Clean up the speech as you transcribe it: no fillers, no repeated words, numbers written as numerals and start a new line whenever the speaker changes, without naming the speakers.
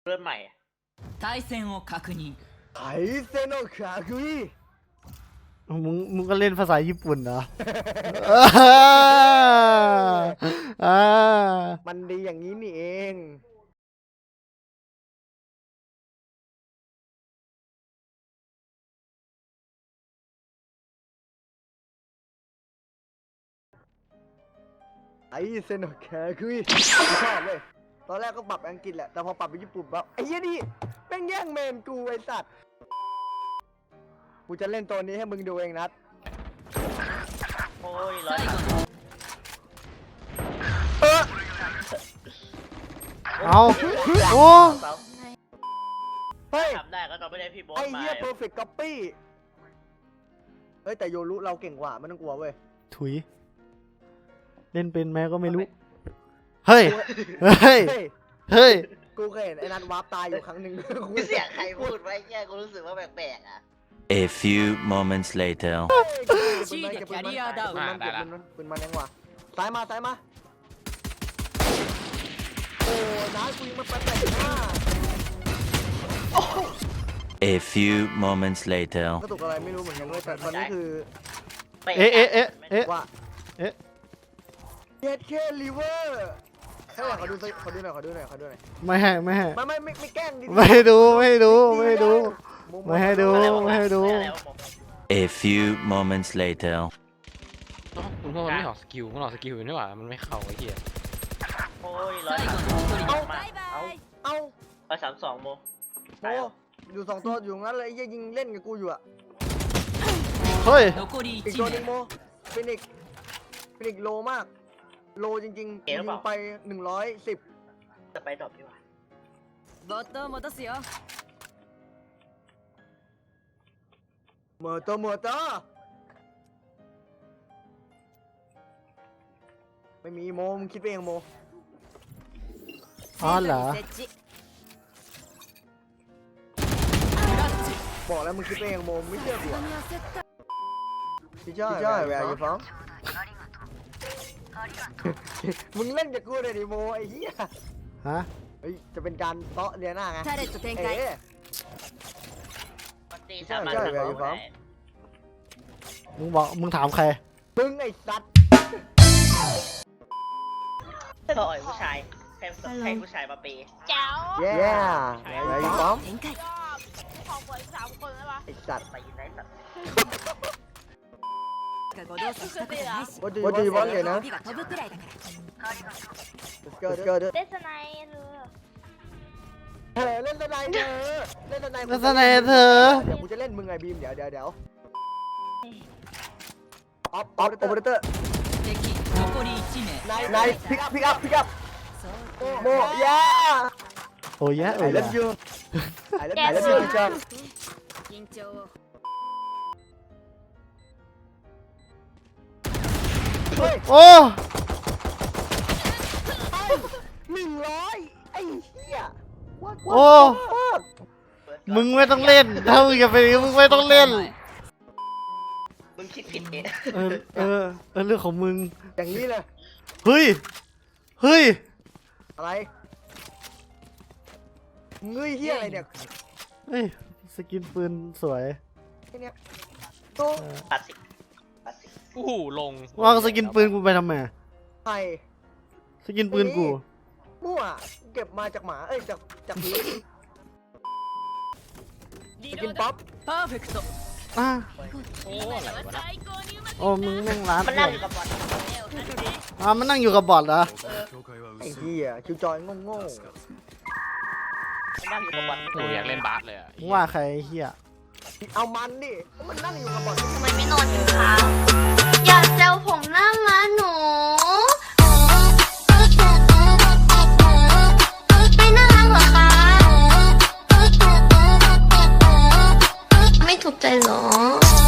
เริ่มใหม่
対戦を確認
ไถเซโนคาคุย
มึงก็เล่นภาษาญี่ปุ่นเหรอ
มันดีอย่างนี้นี่เองไอเซโนคาคุยชอบเลยตอนแรกก็ปรับอังกฤษแหละแต่พอปรับไปญี่ปุ่นแบบไอ้เหี้ยนี่แม่งแย่งเมนกูไอ้สัตว์กูจะเล่นตัวนี้ให้มึงดูเองนัด
โอ้ยร้อย
เอาโอ้
เฮ้ย
ทำได้ก็ต้องไม่ได้พี่โบ๊ท
ไอ้
มา
เหี้ย perfect copy เฮ้ยแต่โยรุเราเก่งกว่าไม่ต้องกลัวเว้ย
ถุยเล่นเป็นแม่ก็ไม่รู้เฮ้ยเฮ้ยเฮ้ย
กูเคยเห็นไอ้นัทวาร์ปตายอยู่ครั้งหนึ่งกู
เสียงใครพูดไว้แค่กูรู้สึกว่าแปลกๆอ่ะ
A few moments later
1位でキャリアダウン
ปืนมันยังวะซ้ายมาซ้ายมาโอ้น้ากูยิงมันไปไหนมา
A few moments later
กระตุกอะไรไม่รู้เหมือนกันเลยแต่ตอนนี้คือ ว่าเจ็ดเคลิเวอร์ให้หน่อยขอดูหน่อยขอดูหน่อยขอดูหน่อย
ไม่ให้ไม่ให้
ไม่แกล้งดิ
ไม่ให้ดูไม่ให้ดูไม่ให้ดูไม่ให้ดูไม่ให้ดู
A few moments later
คุณพ่อมันไม่ออกสกิลมันออกสกิลนี่หว่ามันไม่เข้าไอ้เหี้ย
โอ้ยร้อยเอา32โม
โอ้อยู่สองตัวอยู่งั้นเลยยิงเล่นกับกูอยู่อะ
เฮ้ย
残り
อีก
1
ตัวหนึง
名
โมฟินิกโลมากโลจริงๆยิงไป110
จะไปดรอปดีกว่า
ボットを戻すよ
เมอร์เตอร์ไม่มีโมมึงคิดไปเองโม
อ๋อเหรอ
設置
บอกแล้วมึงคิดไปเองโมไม่เชื่อกูพี่จ้อยแวร์อยู่ฟ้องมึงเล่นกับกูเลยดิโมไอ้เหี้ย
ฮะ
เฮ้ยจะเป็นการเตาะเลียหน้าไง
タレット展開
ตีสามารถทำได้
มึงถามใคร
มึงไอ้สัตว์
ต่อยผู้ชายให้ผู้ชายมาเปย์
แจ๋ว
แย่แวร์อยู่ฟ้อง
展開
ของเปิด3 คนได้ปะ
ไอ้สัตว์
ไปยินได้สัตว์
ご動作したことないし
What do you want เลยนะ
指が飛ぶくらいだから
Let's go
เดสไนหรือ
เล่นสไนเธอเล่นสไน
ลักษณะเธอ
เดี๋ยวกูจะเล่นมึงไงบีมเดี๋ยวออฟโอเปอเรเตอร์
敵残り1名
นายพิกอัพโมย่า
โอ้ยะ
ไอ้เล่นยูไอ้เล่นยูพี่จัง
緊張を
โอ้
100ไอ้เหี้ย
โอ้มึงไม่ต้องเล่นถ้ามึงจะไปมึงไม่ต้องเล่น
มึงคิดผิดเอง
เรื่องของมึง
อย่างนี้เลย
เฮ้ย
อะไรเงยเหี้ยอะไรเนี่ย
เฮ้ยสกินปืนสวย
ไอ้เนี่ยตัว
ปัดสิ
อู้หูลง
วางสกินปืนกูไปทำไม
ไข่
สกินปืนกู
มั่วเก็บมาจากหมาจากพื้นสกินป๊อป
パーフェクト
อ่ะ
โอ้อะไรวะนะ
โอ้มึงแม่งร้าน
มันนั่งอยู่กับบอล
มันนั่งอยู่กับบอทเหรอ
ไอ้เหี้ยคิวจอยโง่
มันนั่งอยู่กับบอล
หนูอยากเล่นบาสเลยอ่ะ
มึงว่าใครไอ้เฮีย
เอามันดิมันนั่งอยู่กับบอล
ทำไมไม่นอนกินข้าวอยากแซวผมหน้าม้าหนูไม่น่ารักเหรอคะไม่ถูกใจเหรอ